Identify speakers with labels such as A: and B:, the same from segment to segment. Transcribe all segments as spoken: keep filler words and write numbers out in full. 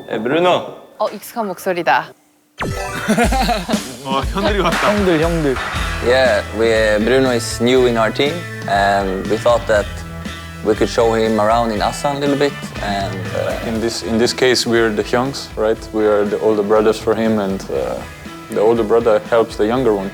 A: 브루노.
B: 어, 익숙한 목소리다.
C: 어, 현들이 왔다.
D: 형들 형들.
A: Yeah, we, Bruno is new in our team, and we thought that we could show him around in Assa a little bit. And uh,
E: In this in this case, we're the youngs, right? We are the older brothers for him, and uh, the older brother helps the younger one.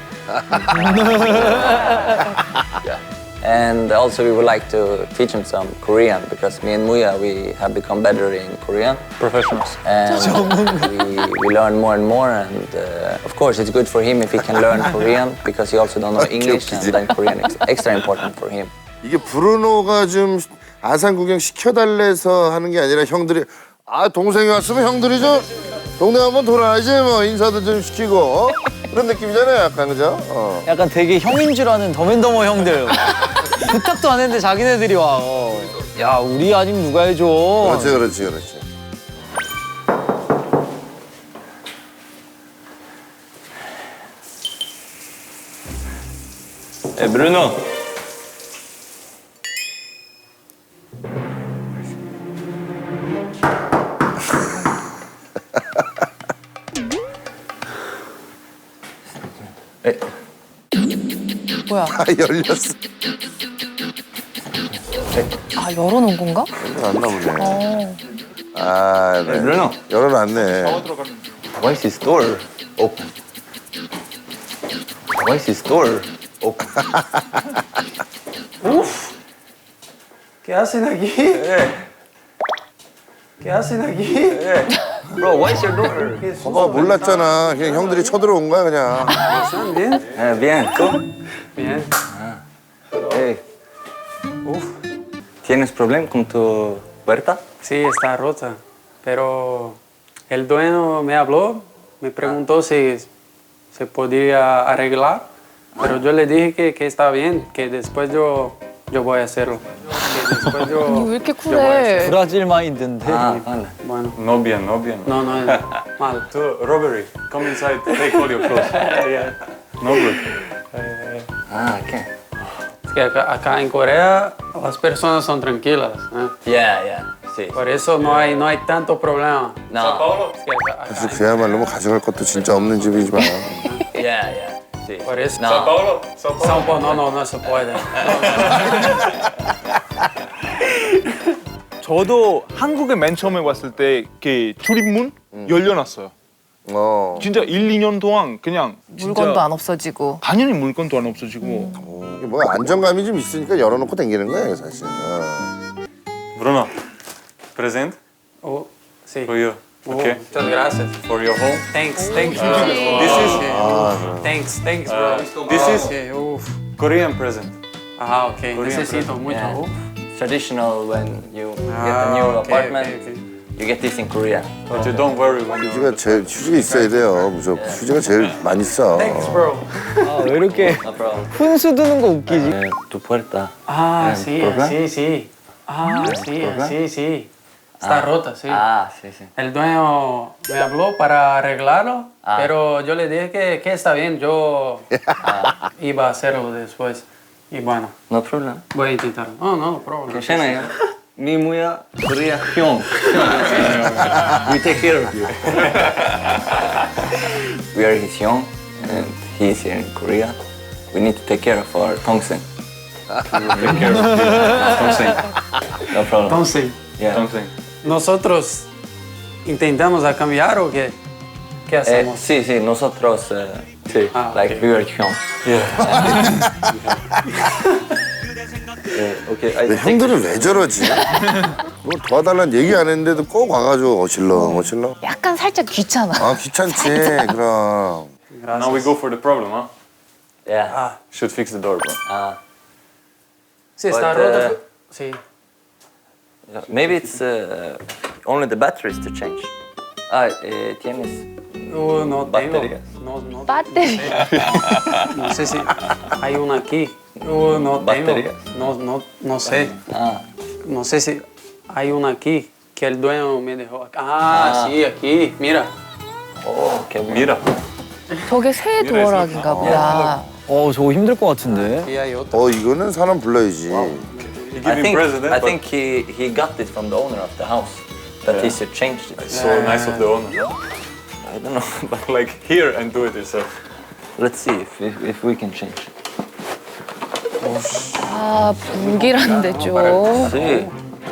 A: yeah. And also we would like to teach him some Korean because me and Muya, we have become better in Korean.
E: Professionals.
A: And we, we learn more and more, and uh, of course it's good for him if he can learn Korean because he also don't know English, and then Korean is extra important for him.
F: 이게 브루노가 좀 아산 구경 시켜달래서 하는 게 아니라 형들이 아 동생이 왔으면 형들이 좀 동네 한번 돌아야지 뭐 인사도 좀 시키고 어? 그런 느낌이잖아요 약간 그죠? 어.
D: 약간 되게 형인 줄 아는 더맨더머 형들. 부탁도 안 했는데 자기네들이 와. 어. 야 우리 아니면 누가 해줘.
F: 그렇지 그렇지 그렇지.
A: 에 브루노. 에.
B: 뭐야?
F: 아 열렸어.
B: 아, 열어놓은 건가?
F: 열어놨나 보네.
B: 어.
F: 아 네.
A: 브루노.
F: 열어놨네.
A: Why is his door open? Why is his door open?
G: ¿Qué hacen aquí? ¿Qué hacen aquí?
A: Bro, why is your door?
F: 봐봐 몰랐잖아. 그냥 형들이 쳐들어온 거야 그냥.
G: ¿Están bien?
A: Eh, bien, ¿tú?
G: Bien.
A: Hey. Uf. ¿Tienes problema con tu puerta?
G: Sí, está rota. Pero el dueño me habló, me preguntó si se podía arreglar. Pero yo le dije que, que está bien, que después yo, yo voy a hacerlo. Que después yo,
B: 왜 이렇게
G: yo voy a hacerlo.
B: 쿨해?
D: 브라질 마인드인데.
A: Ah, vale.
G: Bueno,
E: No bien, no bien.
G: no, no es mal.
E: To robbery. Come inside. Take all your clothes. No good.
A: Ah, ¿qué?
G: Es que acá, acá en Corea las personas son tranquilas. ¿eh?
A: Yeah, yeah. Sí.
G: Por eso no hay, no hay tanto problema.
A: No.
G: Es que acá- acá
F: 사실 그야말로 뭐 가져갈 것도 진짜 없는 집이지만.
A: Yeah, yeah. Sí.
G: Por eso.
A: No.
E: Paulo. Sao
G: São Paulo, no, no, no se puede.
C: 저도 한국에 맨 처음에 왔을 때 그 출입문 열려놨어요.
F: 어.
C: 진짜 일, 이 년 동안 그냥 진짜
B: 물건도 안 없어지고.
C: 당연히 물건도 안 없어지고
F: 이게 뭐 안정감이 좀 있으니까 열어놓고 다니는 거예요 사실. 어.
E: Bruno. Present
G: Oh, sí.
E: for you.
G: Oh,
E: Okay.
G: muchas gracias.
E: For your home.
G: Thanks, thanks, bro.
E: This is
G: Okay. Thanks, thanks, bro.
E: this is
G: Okay, uf.
E: Korean present.
G: Ah, ok.
E: Korean
G: Necesito mucho.
A: Yeah.
G: Uf.
A: Traditional when you get
G: Ah,
A: a new
G: okay,
A: apartment,
G: okay, okay.
A: you get this in Korea.
E: But you don't worry when you.
F: 휴지가 제일 휴지가 있어야 돼요. 무조건 휴지가 제일 많이 써.
G: Thanks, bro.
D: 아, 왜 이렇게
A: No problem.
D: 훈수 두는 거 웃기지?
A: Eh, tu puerta.
G: Ah,
A: Eh,
G: sí,
A: ¿problema?
G: sí, sí. Ah, sí,
A: ¿Problema?
G: sí, sí. Está rota, sí.
A: Ah, sí, sí.
G: El dueño me habló para arreglarlo,
A: Ah.
G: pero yo le dije que, que está bien, yo iba a hacerlo después. Y bueno,
A: No problem.
G: voy a intentar. No, no, problema.
A: 괜찮아요. 미무야 Korea 형. We take care of you. We are his young, and he is here in Korea. We need to take care of our Tongsen. Take care of you. Tongsen. No problem.
G: Entonces,
A: Yeah.
E: Something.
G: nosotros intentamos a cambiar o qué, qué
A: Eh,
G: hacemos?
A: sí, sí, nosotros, eh, sí,
G: Ah,
A: like
G: ok.
A: we were young. Yeah, okay, I
F: 근데
A: think
F: 형들은 왜 저러지? 뭐 도와달라는 얘기 안 했는데도 꼭 와가지고 어실렁 어실렁.
B: 약간 살짝 귀찮아.
F: 아 귀찮지 그럼.
E: Now we go for the problem, huh?
A: yeah.
G: Ah,
E: Should fix the door, bro.
A: Uh,
G: sí, está
A: But,
G: roto.
A: uh,
G: Sí.
A: maybe it's uh, only the batteries to change. Ah, eh, tienes.
G: Uh, no tengo.
A: Baterías.
G: No, no,
B: 배터리.
G: no sé si hay una aquí. Uh, no tengo.
A: Baterías.
G: No, no, no sé.
A: Ah,
G: No sé si hay una aquí que el dueño me dejó. Ah,
A: Ah.
G: sí, aquí. Mira.
A: oh, qué bueno.
E: Mira.
B: 저게 새 도어락인가 보다.
D: 어 저거 힘들 것 같은데.
G: Aquí hay otra.
F: 어 이거는 사람 불러야지.
E: You give
A: I
E: him
A: think
E: present,
A: I
E: but
A: think he he got this from the owner of the house. that he should change it.
E: It's so nice of the owner.
A: I don't know, but
E: Like here and do it yourself.
A: let's see if, if, if we can change it.
B: 아, 불길한데 좀.
A: Sí,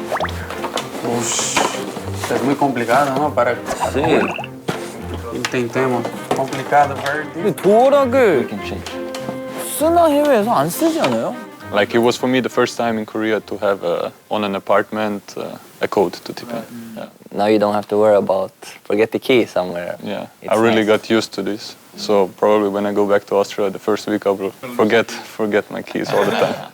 G: Es muy complicado, ¿no? Para
A: sí,
G: intentemos. Complicado, very
D: 근데
A: we
D: 도어락을
A: can change it.
D: 쓰나 해외에서 안 쓰지 않아요?
E: Like it was for me the first time in Korea to have uh, on an apartment uh, a code to tip in. Yeah,
A: Now you don't have to worry about forget the key somewhere.
E: yeah.
A: It's
E: I really
A: nice.
E: got used to this. So probably when I go back to Austria, the first week I will forget forget my keys all the time.